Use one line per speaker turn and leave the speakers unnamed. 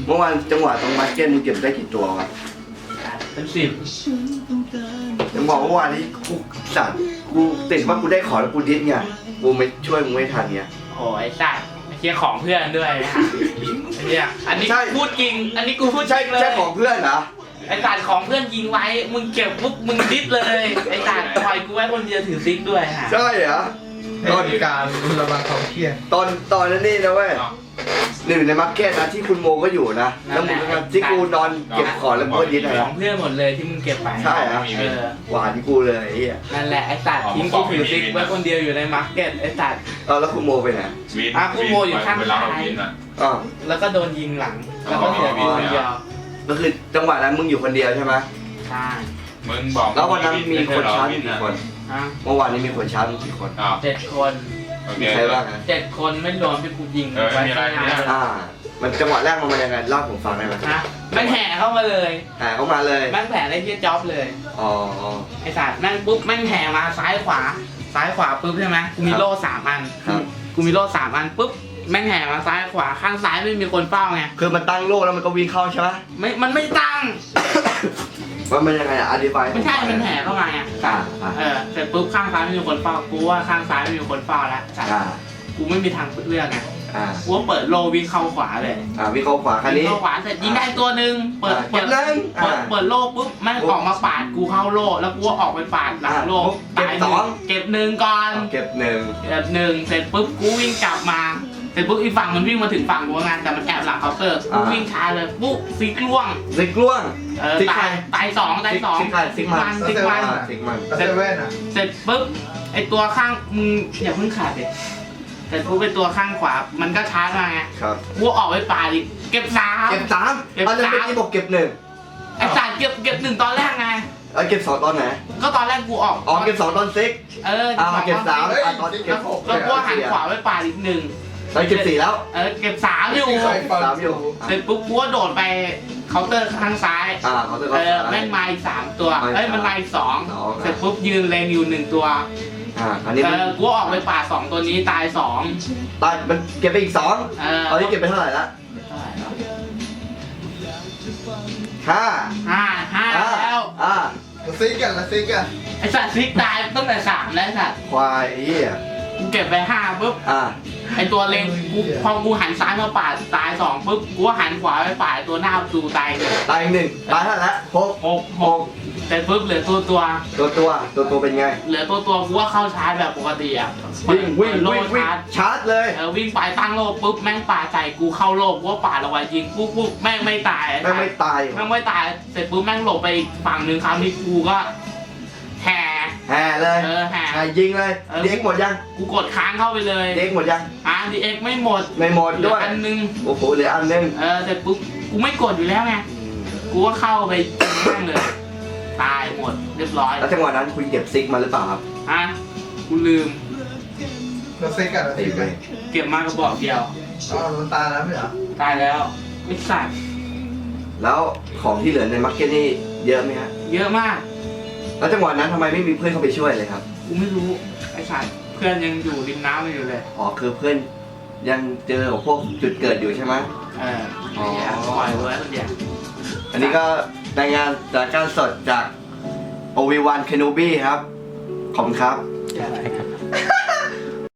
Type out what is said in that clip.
เมื่อวานจังหวะตรงมาร์เก็ตมึงเก็บได้กี่ตัววะ
เป็น10
ยังบอกเมื่อวานนี้กูสัตว์กูติดว่ากูได้ของแล้วกูดิ้นไงกูไม่ช่วยมึงไม่ทันไง
โอ้ยสัตว์ไอ้เคียของเพื่อนด้วยนะไอ้เนี่ยอันนี้พูดจริงอันนี้กูพูดจริงเลย
ใช่ของเพื่อนเหรอ
ไอ้สัตว์ของเพื่อนยิงไว้มึงเก็บปุ๊บมึงดิสเลยไอ้สัตว์ปล่อยกูไว้คนเดียวถือซิกด้วยฮะ
ใช่เหรอ
ตอนการระบายความเครียด
ตอนนั้นนี่นะเว้ยหนึ่งในมาร์เก็ตนะที่คุณโมก็อยู่นะแล้วมึงก็ที่กูนอนเก็บของแล้วมึงก็ดิ้น
ข
นะ
องเพื่อนหมดเลยที่มึงเก็บไป
ใช่เหรอ หวานกูเลยไอ้เหี้ย
นั่นแหละไอ้สัตว์ทิ้งกูถือซิกไว้คนเดียวอยู่ในมาร์เก็ตไอ้สัตว์
แล้วคุณโมไปไหน
กูโมอยู่ข้างซ้าย
อ๋อ
แล้วก็โดนยิงหลังแล้วก็เหลือกูคนเดียว
ก็คือจังหวะนั้นมึงอยู่คนเดียวใช่ไหม
ใช่
มึงบอก
แล้ววันนั้นมีคนชาร์จกี่คน
ฮะ
เมื่อวานนี้มีคนชาร์จกี่คน
7 คน
โอเค
มีใครบ้างนะ
7 คนไม่รวมที่กูยิง
ไม่มีอะไร
ข้างหน้าเลย
มันจังหวะแรกมันยังไงเล่าผมฟังได้ไหม
ฮะแม่งแห่เข้ามาเลย
หาเข้ามาเลย
แม่งแผ่ได้ที่จ็อบเลย
อ๋อ
ไอ้สัตว์แม่งปุ๊บแม่งแห่มาซ้ายขวาปุ๊บใช่ไหมกูมีโล่3 อัน
ครับ
กูมีโล่3 อันปุ๊บแม่งแห่มาซ้ายขวาข้างซ้ายไม่มีคนเฝ้าไง
คือมันตั้งโล่แล้วมันก็วิ่งเข้าใช่ไหม
มันไม่ตั้ง
ว่ามันยังไงอธิบาย
ไม่ใช่มันแห่เข้ามาไง
อ่า
เสร็จปุ๊บข้างซ้ายไม่มีคนเฝ้ากูว่าข้างซ้ายไม่มีคนเฝ้าแล้วสัตว์
อ่า
กูไม่มีทางเลือกไง
อ่า
กูว่าเปิดโล่วิ่งเข้าขวาเลย
วิ่งเข้าขวาคันนี้
เข้าขวาเสร็จยิงได้ตัวหนึ่งเปิด
เก็บเลย
เปิดโล่ปุ๊บแม่งออกมาปาดกูเข้าโล่แล้วกูก็ออกไปปาดหลังโล่
เก็บ
ตาย
สอง
เก็บ1ก่อน
เก็บหนึ่ง
เสร็จปุ๊บกูวิ่งกลับมาเสร็จปุ๊บอีกฝั่งมันวิ่งมาถึงฝั่งกูไงแต่มันแอบหลังเคาน์เตอร์กูวิ่งช้าเลยปุ๊บซิกล่วง
ซิกล่วง ซิกใคร
ตายสอง
ซิกใครซิกมัน
ซิกมัน
ซิกมัน
เซเว่นอ่ะ
เสร็จปุ๊บไอตัวข้างมึงอย่าเพิ่งขาดเลยเสร็จปุ๊บไอตัวข้างขวามันก็ช้ามาไง
ครับ
กูออกไปป่าดิเก็บ3
เก็บสาม
เก็บ
ตอนนั้น
สาม
เป็นที่บอกเก็บหนึ่ง
ไอสัตว์เก็บ1ตอนแรกไง
เก็บสองตอนไหน
ก็ตอนแรกกูออก
เก็บสองตอนซิก เก็บสามตอนเก็บหก
แล้วกูหันขวาไปป่าอีก1
ตอนเก็บสี่แล้ว
เก็บ3อยู่
สามอยู่
เสร็จปุ๊บกูก็โดดไปเคาน์เตอร์ข้างซ้าย
เขาจะก็
แม่งมาอีก3 ตัว
มาอีก
มันมาอีก
สอง
2เสร็จปุ๊บยืนเลงอยู่1 ตัว
อันนี้
กูออกไปป่า2 ตัวนี้ตาย2
ตายมันเก็บไปอีกสองตอนนี้เก็บไปเท่าไหร่ละห้า
5แล้ว
แล้วซิกอ่ะแล้วซิกอ่ะ
ไอสัตว์ซิกตายตั้งแต่3แล้วไอสัตว์
ควายไอ้เหี้ย
กูเก็บไป5ปุ๊บ ไอตัวเลงกูพอกูหันซ้ายมาป่าดตาย2ปุ๊บกูก็หันขวาไปป่าดตัวหน้าประตูตาย1
ตายหนึ่งตายเท่าไหร่ละหก
เสร็จปุ๊บเหลือตัว
ตัวเป็นไง
เหลือตัวกูว่าเข้าชาร์จแบบปกติอ่ะ
วิ่ง
โล่
ชาร์จเลย
วิ่งไปตั้งโลกปุ๊บแม่งป่าใส่กูเข้าโลกกูว่าป่าระไว้ยิงปุ๊บแม่งไม่ตาย
แม่งไม่ตาย
แม่งไม่ตายเสร็จปุ๊บแม่งหลบไปอีกฝั่งหนึ่งคราวนี้กูก็แห่
แห่เลย
แห่
แห่ยิงเลยเด็กหมดยัง
กูกดค้างเข้าไปเลย
เด็กหมดยัง
ดีเอ็กไม่หมด
ไม่หมด
เหลื
ด้
อ
วย
อันนึง
โอ้โหเหลืออันนึง
เสร็จปุ๊บกูไม่กดอยู่แล้วไงกูก็เข้าไปแม่งเลยตายหมดเรียบร้อย
แล้วจังหวะนั้นคุณเก็บซิกมาหรือเปล่าครับ
กูลืม
แล้วซิกอ่ะแล้วซิกอ่ะ
เก็บมากระบอกเดียว
มันตายแล้วไม่เหรอ
ตายแล้วไม่สัตว์
แล้วของที่เหลือในมาร์เก็ตนี่เยอะไหมฮะ
เยอะมาก
แล้วจังหวะนั้นทำไมไม่มีเพื่อนเข้าไปช่วยเลยครับ
กูไม่รู้ไอ้สัตว์เพื่อนยังอยู่ริมน้ำอยู่เลย
คือเพื่อนยังเจอพวกจุดเกิดอยู่ใช่ไหม
ปล่อยไว้คนเดียว
อันนี้ก็รายงานจากการสดจาก OV1 Kenobi ครับ ขอบคุณครับ
ใช่ครับ